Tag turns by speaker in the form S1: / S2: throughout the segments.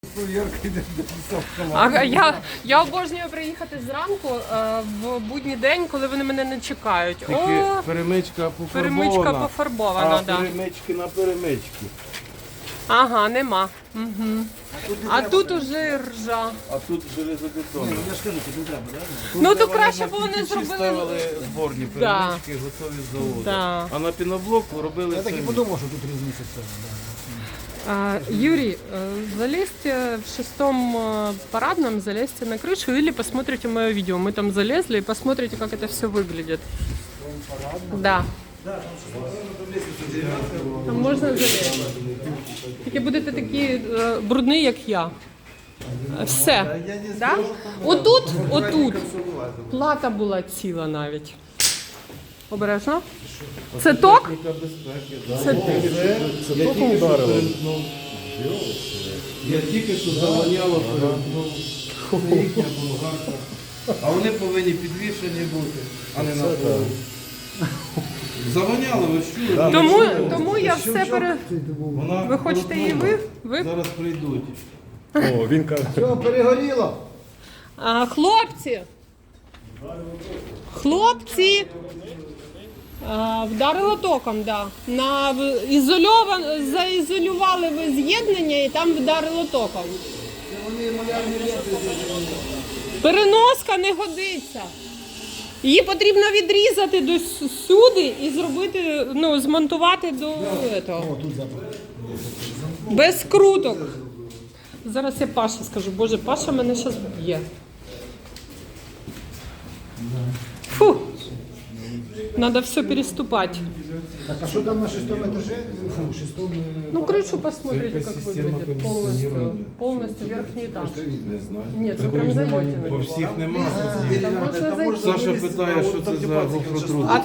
S1: Я обожнюю приїхати зранку в будній день, коли вони мене не чекають.
S2: Тільки перемичка пофарбована.
S1: Перемичка пофарбована,
S2: а
S1: да.
S2: перемички на перемички.
S1: Ага, нема. Угу. А тут уже ржа.
S2: А тут железобетонно.
S3: Я ж кажу, тут не треба, так?
S1: Ну то краще б вони
S2: ставили
S1: зробили.
S2: зборні
S1: Да.
S2: перемички, готові з заводу.
S1: Да.
S2: А на піноблоку робили
S3: Я так і
S2: самі.
S3: подумав, що тут різниця в цьому.
S1: Юрий, залезьте в 6-м парадном, залезьте на крышу или посмотрите мое видео. Мы там залезли и посмотрите, как это все выглядит. Да. Там можна залізти. Тільки будете такі брудні, як я. Все. Да? Отут плата була ціла навіть. Обережно. Це ток?
S2: Техніка безпеки, да.
S3: Це током ударило.
S2: Я тільки що завоняло перемкнув. Це їхня болгарка. А вони повинні підвішені бути, а не на полу. Завоняло, ви ж чули?
S1: Тому я все
S2: Вона
S1: Ви хочете її ви?
S2: Зараз прийдуть.
S3: О, він каже. Все, перегоріло.
S1: Хлопці, вдарило током, да. Заізолювали ви з'єднання і там вдарило током. Переноска не годиться. Її потрібно відрізати до сюди і зробити, змонтувати до цього. Без круток. Зараз я Паші скажу. Боже, Паша мене зараз б'є. Фу. Надо все переступать.
S3: Так, а що там на 6-му етажі? Фу, 6-му...
S1: Ну, крышу посмотрите, как
S2: Система
S1: выглядит полностью верхний этаж.
S2: Не знаю.
S1: Нет, вы прям заметили.
S2: По всіх нема.
S1: Там можна зайти.
S2: Саша питає, що це за гофротруд.
S1: А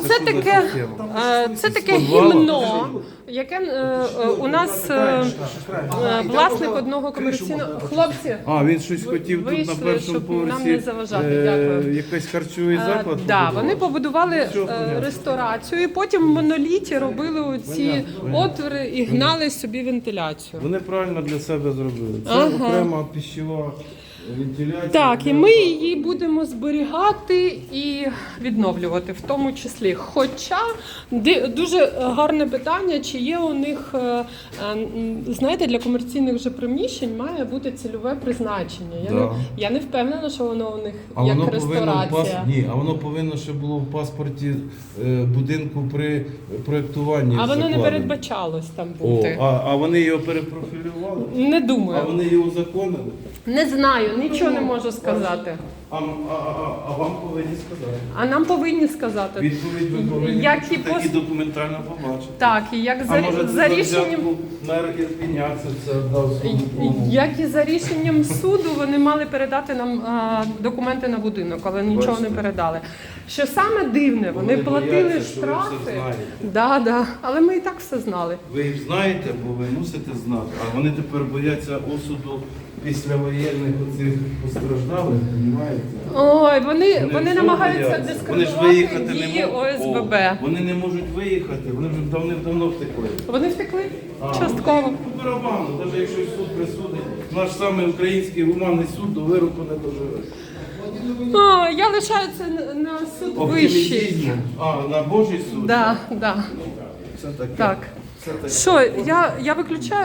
S1: це таке гімно, яке у нас власник одного комерційного... Хлопці,
S2: А, він щось хотів тут
S1: вийшли,
S2: на першому
S1: щоб нам
S2: поверсі
S1: не заважати. Дякую.
S2: якийсь харчовий заклад.
S1: Да,
S2: побудував.
S1: вони побудували
S2: Все понятно.
S1: ресторацію і потім в моноліті робили оці отвори і гнали собі вентиляцію.
S2: Вони правильно для себе зробили. Це
S1: Ага.
S2: окрема пищова вентиляція.
S1: Так, і ми її будемо зберігати і відновлювати в тому числі. Хоча дуже гарне питання, чи є у них, знаєте, для комерційних же приміщень має бути цільове призначення.
S2: Да.
S1: Я не впевнена, що воно у них
S2: А
S1: як
S2: воно повинно
S1: ресторація.
S2: а воно повинно ще було в паспорті будинку при проєктуванні.
S1: А воно не
S2: закладено.
S1: передбачалось там
S2: О,
S1: бути.
S2: а вони його перепрофілювали?
S1: Не
S2: А
S1: думаю.
S2: вони його узаконили?
S1: Не знаю, нічого не можу сказати.
S2: А вам повинні сказати.
S1: А нам повинні сказати.
S2: Відповідь ви повинні
S1: Як і
S2: такі документально побачити.
S1: Так, і як
S2: А може
S1: за рішенням.
S2: на Ірпеня це дав своєму.
S1: Як і за рішенням суду, вони мали передати нам документи на будинок, але нічого
S2: Бачите.
S1: не передали. Що саме дивне, вони платили
S2: бояться, що ви все
S1: штрафи.
S2: знаєте.
S1: Да, але ми і так все знали.
S2: Ви їх знаєте, бо ви мусите знати, а вони тепер бояться осуду післявоєнних оцих постраждалих, розумієте?
S1: Ой, вони
S2: всього
S1: намагаються
S2: бояться. Вони ж
S1: дискредитувати
S2: виїхати не
S1: дії
S2: можуть.
S1: ОСББ.
S2: О, вони не можуть виїхати, вони вже давним-давно втекли.
S1: Вони втекли
S2: А,
S1: частково.
S2: ну, по барабану, навіть якщо суд присудить, наш самий український гуманний суд до вироку не доживе.
S1: Я лишаю це на суд вищий.
S2: Оптимізм. А, на Божий суд?
S1: Да.
S2: Це таке.
S1: Так.
S2: Це таке.
S1: Що, я виключаю?